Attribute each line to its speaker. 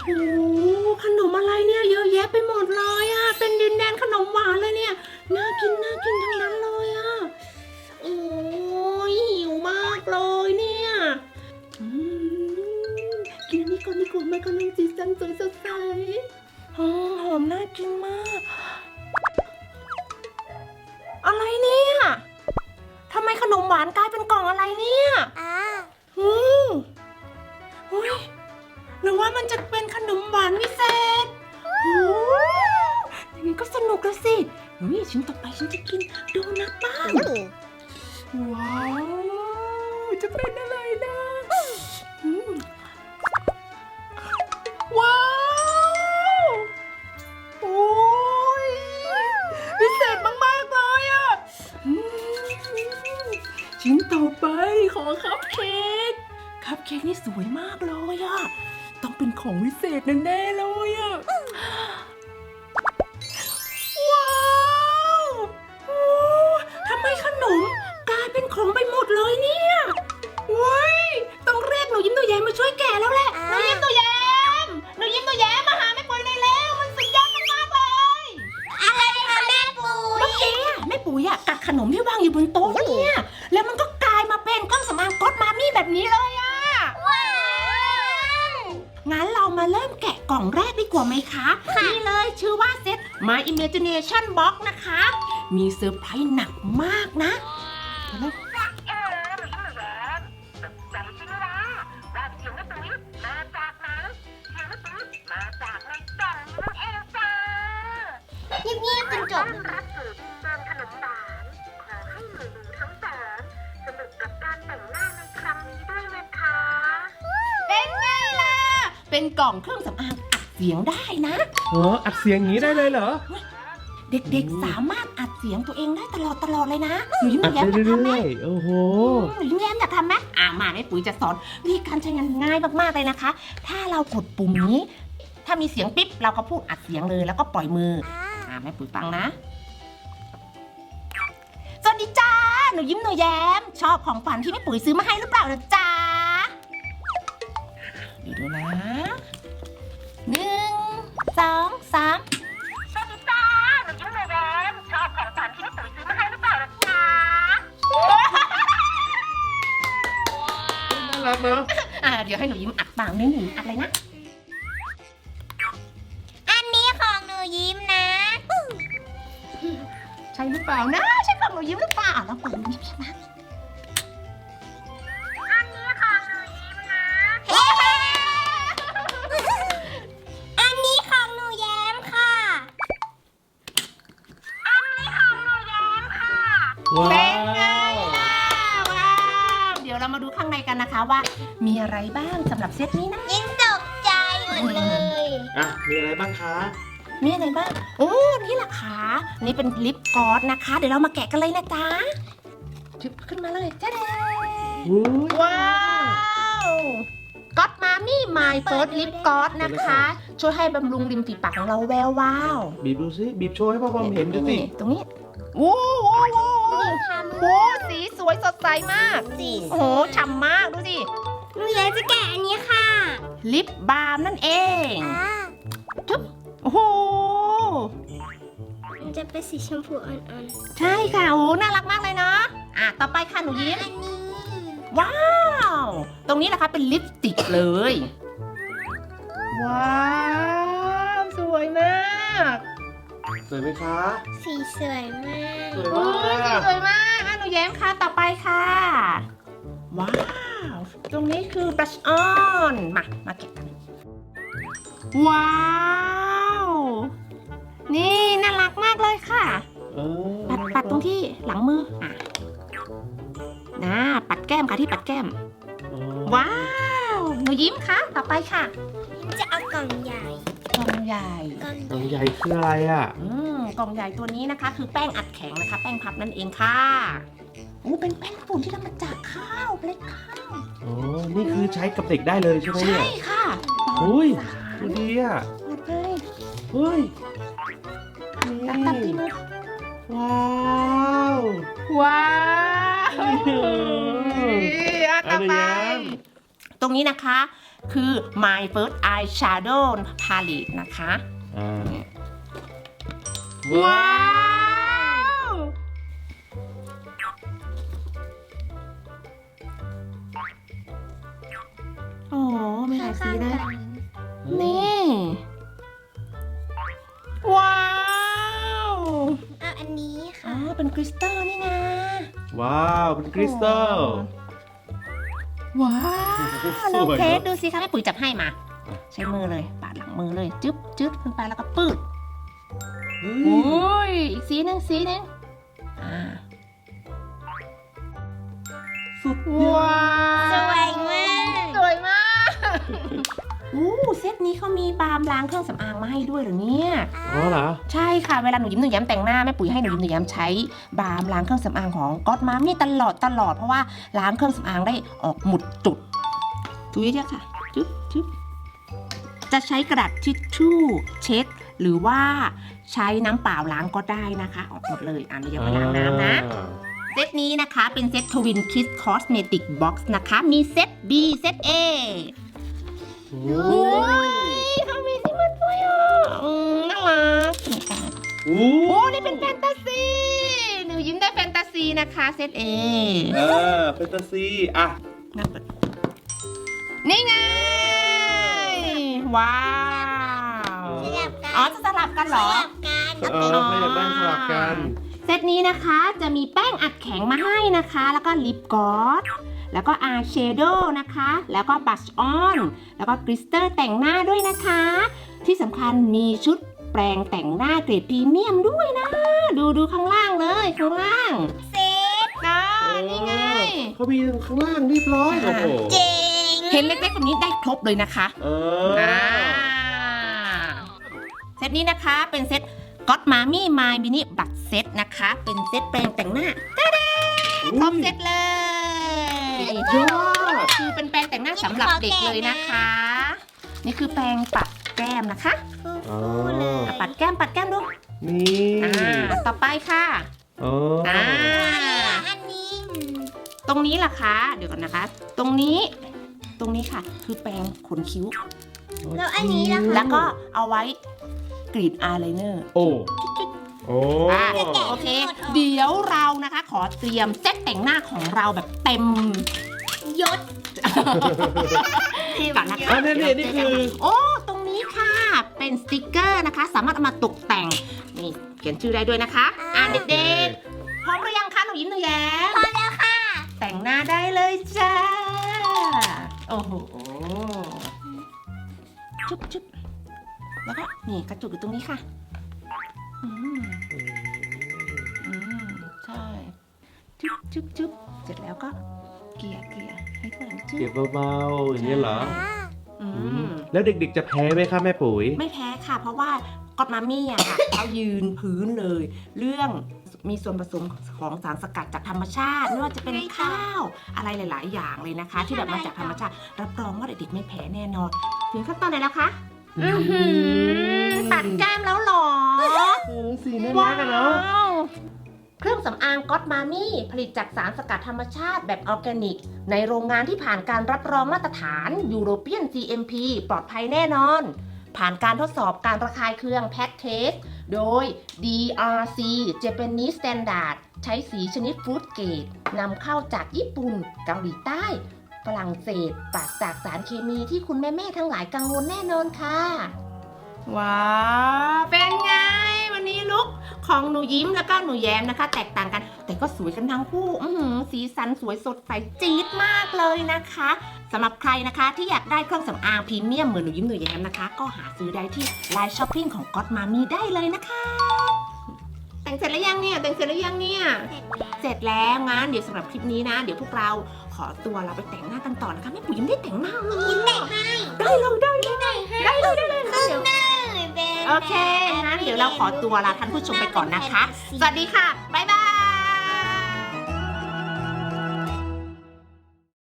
Speaker 1: ขนมอะไรเนี่ยเยอะแยะไปหมดเลยอ่ะเป็นดินแดนขนมหวานเลยเนี่ยน่ากินทั้งนั้นเลยอ่ะโอ้ยหิวมากเลยเนี่ยอืกินอันนี้ก่อนดีกว่าแม่กำลังสีสันสวยสดใสหอมน่ากินมากอะไรเนี่ยทำไมขนมหวานกลายเป็นกล่องอะไรเนี่ยอืมอุ้ยหรือว่ามันจะเป็นขนมหวานพิเศษอย่างนี้ก็สนุกแล้วสินี่ชิ้นต่อไปฉันจะกินโดนัทบ้างว้าวจะเป็นอะไรนะว้าวโอ้ยพิเศษมากๆเลยอ่ะชิ้นต่อไปขอคัพเค้กนี่สวยมากเลยอ่ะต้องเป็นของวิเศษแน่ๆเลยอ่ะว้าวโอ้ทำไมขนมกลายเป็นของไปหมดเลยเนี่ยว้ายต้องเรียกหนูยิ้มหนูแย้มมาช่วยแกะแล้วแหละหนูยิ้มหนูแย้มมาหาแม่ปุ๋ยในแล้วมันสุดยอดมากๆเลย
Speaker 2: อะไรคะแม่ปุ๋ย
Speaker 1: เมื่อกี้แม่ปุ๋ยกัดขนมที่วางอยู่บนโต๊ะเนี่ยแล้วมันก็กลายมาเป็นเครื่องสำอางก๊อตมามี่แบบนี้เลยอ่ะ
Speaker 2: ว้าว
Speaker 1: งั้นเรามาเริ่มแกะกล่องแรกดีกว่าไหมคะนี่เลยชื่อว่าเซต My Imagination Box นะคะมีเซอร์ไพรส์หนักมากนะ
Speaker 2: เงียบๆจนจบ
Speaker 3: รับสู่ดินแดนขนมหวานขอให้หนูทั้งสองสนุกกับการแต่งหน้าในครั้งนี้ด้วยนะคะ
Speaker 1: เป็นไงล่ะเป็นกล่องเครื่องสำอางอัดเสียงได้นะ
Speaker 4: อัดเสียงอย่างนี้ได้เลยเหรอ
Speaker 1: เด็กๆสามารถอัดเสียงตัวเองได้ตลอดเลยนะหนูยิ้มหนูแย้มอยากทำไหม
Speaker 4: โอ้โห
Speaker 1: หนูยิ้มแย้มอยากทำไหมมาแม่ปุ๋ยจะสอนวิธีการใช้งานง่ายมากๆเลยนะคะ ถ้าเรากดปุ่มนี้ถ้ามีเสียงปิ๊บเราก็พูดอัดเสียงเลยแล้วก็ปล่อยมือแม่ปุ๋ยฟังนะสวัสดีจ้าหนูยิ้มหนูแย้มชอบของขวัญที่แม่ปุ๋ยซื้อมาให้หรือเปล่านะจ๊ะดูนะ1 2 3
Speaker 3: สวัสดีจ้าหนูยิ้มหนูแย้มชอบของขวัญที่แม่ปุ๋ยซื้อมาให้หรือเปล่าล่ะจ๊ะ
Speaker 4: น่ารักเนอะ
Speaker 1: เดี๋ยวให้หนูยิ้มอัดปากนิดหนึ่งอัดอะไรนะ
Speaker 2: อันนี้ของหนูยิ้มนะ
Speaker 1: ใช่หรือเปล่านะใช่ของหนูยิ้มหรือเปล่าแล้วเปิดหนูยิ้มนะ
Speaker 3: อันนี้ของหนูยิ้มนะ
Speaker 2: อันนี้ของหนูแย้มค่ะ
Speaker 3: อันนี้ของหนูแย้มค่ะ
Speaker 4: ว้า
Speaker 1: เป็นไง
Speaker 4: ว
Speaker 1: ล่ะว้าวเดี๋ยวเรามาดูข้างในกันนะคะว่ามีอะไรบ้างสำหรับเซตนี้นะ
Speaker 2: ยิ้มตกใจหมดเลย
Speaker 4: มีอะไรบ้างคะ
Speaker 1: มีอะไรบ้างโอ้นี่แหละค่ะนี่เป็นลิปกลอสนะคะเดี๋ยวเรามาแกะกันเลยนะจ๊ะจึ๊บขึ้นมาเลยจ้าเด
Speaker 4: อุ้ย
Speaker 1: ว้าวก๊อตมามี่ไมล์เฟิร์สลิปกลอสนะคะช่วยให้บำรุงริมฝีปากของเราแวววาว
Speaker 4: บีบดูสิบีบโชว์ให้พ่อพอมเห็นดูสิ
Speaker 1: ตรงนี้โอ้โหโอ้สีสวยสดใสมาก
Speaker 2: สี
Speaker 1: โอ้โหฉ่ำมากดูสิ
Speaker 2: หนูแย้มจะแกะอันนี้ค่ะ
Speaker 1: ลิปบาล์มนั่นเองจุ๊บโอ้โห
Speaker 2: มันจะเป็นสีชมพูอ่อน
Speaker 1: ใช่ค่ะโอ้น่ารักมากเลยเนาะต่อไปค่ะหนู
Speaker 2: ๆ
Speaker 1: ยิ้ม
Speaker 2: อันนี้
Speaker 1: ว้าว ตรงนี้นะคะเป็นลิปสติกเลย ว้าวสวยมาก
Speaker 4: สวยไหมคะ
Speaker 2: สีสวยมาก
Speaker 4: สวย
Speaker 1: โอ้
Speaker 4: มาย ก
Speaker 1: สวยมากหนูแย้มค่ะต่อไปค่ะ ว้าว ตรงนี้คือบลัชออนมาเก็บกันว้าว นี่น่ารักมากเลยค่ะ ปัดตรงที่หลังมือปัดแก้มค่ะที่ปัดแก้ม ว้าว หนูยิ้มค่ะ ต่อไปค่ะ
Speaker 2: จะเอากล่องใหญ่
Speaker 1: กล่องใหญ่
Speaker 2: กล่อง
Speaker 4: กล่องใหญ่คืออะไรอ่ะ
Speaker 1: กล่องใหญ่ตัวนี้นะคะ คือแป้งอัดแข็งนะคะ แป้งพับนั่นเองค่ะเป็นแป้งฝุ่นที่ทำมาจากข้าวเปล็ดข้าว
Speaker 4: อ๋อ นี่คือใช้กับเด็กได้เลยใช่ไหมเนี่
Speaker 1: ใช่
Speaker 4: ย
Speaker 1: ค่ะ
Speaker 4: อุ้ย
Speaker 1: ปลอด
Speaker 4: ดูดีอ่ะ
Speaker 1: ภัย
Speaker 4: เฮ้ย
Speaker 1: ตัดที่มือ
Speaker 4: ว้าว
Speaker 1: ว้าว
Speaker 4: อันนี้
Speaker 1: ต่อไปตรงนี้นะคะคือ My First Eyeshadow Palette นะคะ
Speaker 4: อ่า
Speaker 1: ว้าว โอ้โหมีหลายสีเลย นี่ ว้าว
Speaker 2: เอาอันนี้
Speaker 1: อ๋
Speaker 2: ค่ะ
Speaker 1: อ เป็นคริสตัลนี่นะ
Speaker 4: ว้าวเป็นคริสตัล
Speaker 1: ว้าว
Speaker 4: สวย
Speaker 1: เทส
Speaker 4: เนอะ
Speaker 1: ดูสิคะแม่ปุ๋ยจับให้มา ใช้มือเลย ปาดหลังมือเลย จึ๊บจึ๊บขึ้นไปแล้วก็ปืด
Speaker 4: เฮ้
Speaker 1: โอ้
Speaker 4: ย
Speaker 1: ย อีกสีหนึ่งสีหนึ่งอ่า
Speaker 4: สุด
Speaker 1: ว้าว
Speaker 2: สวยมาก
Speaker 1: สวยมากอู้เซตนี้เขามีบาล์มล้างเครื่องสำอางมาให้ด้วยเหรอเนี่ย
Speaker 4: อ๋อเหรอ
Speaker 1: ใช่ค่ะ เวลาหนูยิ้มหนูแย้มแต่งหน้าแม่ปุ๋ยให้หนูยิ้มหนูแย้มใช้บาล์มล้างเครื่องสำอางของก๊อตมามี่ตลอดเพราะว่าล้างเครื่องสำอางได้ออกหมุดจุดถูเยอะๆค่ะจุ๊บจุ๊บจะใช้กระดาษทิชชู่เช็ด หรือว่าใช้น้ำเปล่าล้างก็ได้นะคะ ออกหมดเลยหนูอย่าไปล้างน้ำนะ เซตนี้นะคะเป็นเซต Twin Kiss Cosmetic Box นะคะ มีเซต B เซต A
Speaker 4: โอ้
Speaker 1: โอ้ยเขามีซิมันด้วยอ่ะน่ารักสนุกกัน
Speaker 4: โอ้
Speaker 1: โอ้ นี่เป็นแฟนตาซี หนูยิ้มได้แฟนตาซีนะคะเซต A
Speaker 4: แฟนตาซีอ่ะ
Speaker 1: น่าเปิดนี่ไง ว้าว
Speaker 2: สลับกัน
Speaker 1: อ๋อ จะสลับกันเหร
Speaker 2: ส
Speaker 1: อ
Speaker 2: ลับกัน
Speaker 4: เออเขาอยากได้สลับกัน
Speaker 1: เซตนี้นะคะจะมีแป้งอัดแข็งมาให้นะคะ แล้วก็ลิปกลอสแล้วก็อายแชโดว์นะคะ แล้วก็บัชออน แล้วก็กลิสเตอร์แต่งหน้าด้วยนะคะ ที่สำคัญมีชุดแปรงแต่งหน้าเกรดพรีเมียมด้วยนะ ดูข้างล่างเลยข้างล่าง
Speaker 2: เซ็ต
Speaker 1: นะนี่ไง
Speaker 4: เขามีข้างล่างเรียบร้อยโอ้โห
Speaker 2: เจ๋ง
Speaker 1: เห็นเล็กๆแบบนี้ได้ครบเลยนะคะ
Speaker 4: เออ
Speaker 1: เซตนี้นะคะเป็นเซตก็ตมามี่มายมินิบัตเซตนะคะ เป็นเซตแปรงแต่งหน้าครบเซตเลย
Speaker 4: ยอด
Speaker 1: คือเป็นแปรงแต่งหน้าสำหรับเด็กเลยนะคะ นี่คือแปรงปัดแก้มนะคะ
Speaker 4: อ๋อ
Speaker 1: ปัดแก้มดู
Speaker 4: นี่
Speaker 1: ต่อไปค่ะ
Speaker 4: อ๋อ
Speaker 2: อันนี้
Speaker 1: ตรงนี้ล่ะคะเดี๋ยวก่อนนะคะ ตรงนี้ค่ะ คือแปรงขนคิ้ว
Speaker 2: แล้วอันนี้ล่ะ
Speaker 1: แล้วก็เอาไว้กรีดอายไลเนอร์
Speaker 4: โอ้โอ้
Speaker 1: โอเค เดี๋ยวเรานะคะ ขอเตรียมเซตแต่งหน้าของเราแบบเต็ม
Speaker 2: ยศ
Speaker 1: ก่อนนะคะ
Speaker 4: อันนี้นี่คือ
Speaker 1: โอ้ตรงนี้ค่ะ เป็นสติกเกอร์นะคะ สามารถเอามาตกแต่ง นี่เขียนชื่อได้ด้วยนะคะ เด็กๆ พร้อมหรือยังคะหนูยิ้มหนูแย้ม
Speaker 2: พอแล้วค่ะ
Speaker 1: แต่งหน้าได้เลยจ้า โอ้โห จุ๊บแล้วก็นี่กระจุกอยู่ตรงนี้ค่ะ อืมใช่ จุ๊บเสร็จแล้วก็เกลี่ยให้เพื่อนจุ๊
Speaker 4: เก็บบ เบาๆอย่างนี้ยเหรอ
Speaker 1: อืม
Speaker 4: แล้วเด็กๆจะแพ้ไหมคะแม่ปุ๋ย
Speaker 1: ไม่แพ้ค่ะ เพราะว่าก็อตมามี่อะค่ะ เขายืนพื้นเลย เรื่องมีส่วนผสมของสารสกัดจากธรรมชาติไม่ว่าจะเป็นข้าวอะไรหลาย ๆ อย่างเลยนะคะ ที่แบบมาจากธรรมชาติ รับรองว่าเด็กๆไม่แพ้แน่นอน ถึงขั้นตอนไหนแล้วคะตัดแก้มแล้วเหรอ
Speaker 4: สีน่ารักอะเนาะ
Speaker 1: วเครื่องสำอางก็อตมามี่ผลิตจากสารสกัดธรรมชาติแบบออร์แกนิก ในโรงงานที่ผ่านการรับรองมาตรฐาน European GMP ปลอดภัยแน่นอน ผ่านการทดสอบการระคายเคืองแพทเทสโดย DRC Japanese Standard ใช้สีชนิดฟรุตเกรดนำเข้าจากญี่ปุ่นเกาหลีใต้ฝรั่งเศสปราศจากสารเคมีที่คุณแม่ๆทั้งหลายกังวลแน่นอนค่ะ ว้าวเป็นไง วันนี้ลุคของหนูยิ้มแล้วก็หนูแย้มนะคะ แตกต่างกัน แต่ก็สวยกันทั้งคู่สีสันสวยสดใสจี๊ดมากเลยนะคะสำหรับใครนะคะที่อยากได้เครื่องสำอางพรีเมียมเหมือนหนูยิ้มหนูแย้มนะคะ ก็หาซื้อได้ที่ไลน์ช้อปปิ้งของก็อตมามี่ได้เลยนะคะ แต่งเสร็จแล้วยังเนี่ยเสร็จแล้วงั้นเดี๋ยวสำหรับคลิปนี้นะ เดี๋ยวพวกเราขอตัวเราไปแต่งหน้ากันต่อนะคะแม่ปุ๋ยยังไม่ได้แต่งหน้าเลย
Speaker 2: แต่งให้
Speaker 1: ได้เลยเดี๋ยว โอเค งั้นเดี๋ยวเราขอตัวลาท่านผู้ชมไปก่อนนะคะ สวัสดีค่ะ